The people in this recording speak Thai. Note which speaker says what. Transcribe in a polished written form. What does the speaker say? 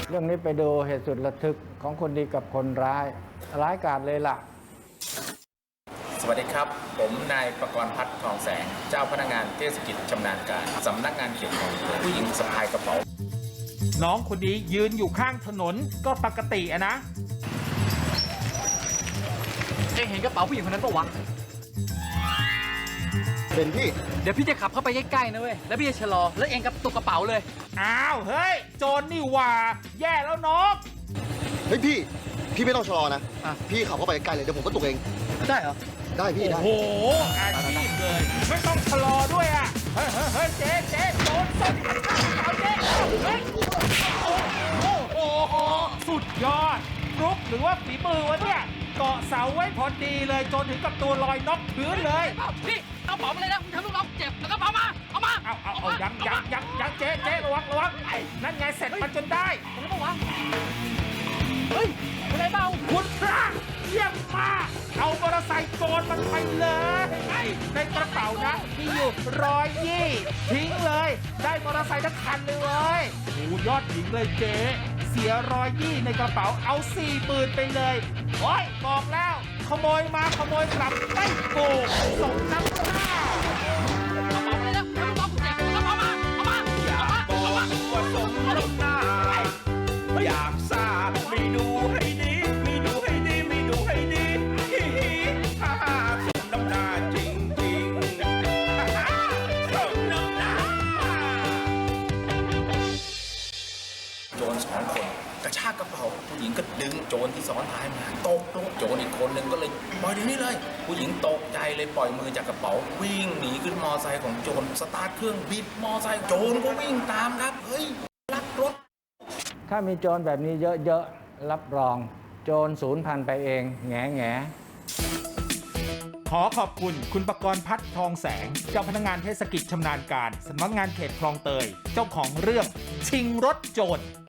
Speaker 1: เรื่องนี้ไปดูเหตุสุดระทึกของคนดีกับคนร้ายกาจเลยล่ะ
Speaker 2: สวัสดีครับผมนายประกรณ์พัฒน์ทองแสงเจ้าพนักงานเทศกิจชำนาญการสำนักงานเขตคลองเตยผู้หญิงสะพายกระเป๋า
Speaker 3: น้องคนนี้ยืนอยู่ข้างถนนก็ปกติอะนะ
Speaker 4: เองเห็นกระเป๋าผู้หญิงคนนั้นปะวะ
Speaker 5: เป็นพี่
Speaker 4: เดี๋ยวพี่จะขับเข้าไปใกล้ๆนะเว้ย แล้วพี่จะชะลอ แล้วเองกับตกกระเป๋าเลย
Speaker 3: อ้าวเฮ้ยโจรนี่หว่าแย่แล้วน้อง
Speaker 5: เฮ้ยพี่ไม่ต้องชะลอนะ พี่ขับเข้าไปใกล้เลยเดี๋ยวผมก็ตกเอง
Speaker 4: ได้เหรอ
Speaker 5: ได้พี่ได้
Speaker 3: โอ้โหอาชีพเลยไม่ต้องชะลอด้วยอ่ะเฮ้ยเจ๊โจรสดเอาเจ๊เฮ้ยโอ้โหสุดยอดฟลุกหรือว่าฝีมือวะเนี่ยเกาะเสาไว้พอดีเลยจนถึงกับตัวลอยน็อกพื้นเลย
Speaker 4: พี่เอากระเป๋ามาเลยนะมึงทำลูกน้องเจ็บแล้วกระเป๋ามา เอามา
Speaker 3: เอายังเจ๊ระวังนั่นไงเสร็จมันจนได้
Speaker 4: อะไรปะวะ เฮ้ยอะไรเปล่า
Speaker 3: คุณพระเยี่ยมมากเอามอเตอร์ไซค์โจรมันไปเลยในกระเป๋านะมีอยู่120ทิ้งเลยได้มอเตอร์ไซค์ทั้งคันเลยโอ้ยอดหญิงเลยเจ๊เสีย120ในกระเป๋าเอา40,000ไปเลยโอ้ยบอกแล้วขโมยมาขโมยกลับไม่โกงสมน้ำหน้า
Speaker 4: เอากระเป๋ามาเลยนะทำลูกน้องเจ็บแล้วกระเป๋ามา เอามา
Speaker 6: อยากบอกว่าสมน้ำหน้าอยากทราบไม่ดูให้ดีไม่ดูให้ดีไม่ดูให้ดีฮิฮิฮ่าฮ่าสมน้ำหน้าจริงจริงฮ่าฮ่าสมน้ำหน้า
Speaker 2: โจร2 คนกระชากกระเป๋าผู้หญิงก็ดึงโจรที่ซ้อนท้ายมาตกลงโจรอีกคนหนึ่งก็เลยปล่อยเดี๋ยวนี้เลย ผู้หญิงตกใจเลยปล่อยมือจากกระเป๋าวิ่งหนีขึ้นมอไซค์ของโจรสตาร์ทเครื่องบิดมอไซค์โจรก็วิ่งตามครับเฮ้ยลักรถ
Speaker 1: ถ้ามีโจรแบบนี้เยอะๆรับรองโจรสูญพันธุ์ไปเองแง่
Speaker 3: ขอขอบคุณคุณประกรณ์พัฒน์ทองแสงเจ้าพนักงานเทศกิจชำนาญการสำนักงานเขตคลองเตยเจ้าของเรื่องชิงรถโจร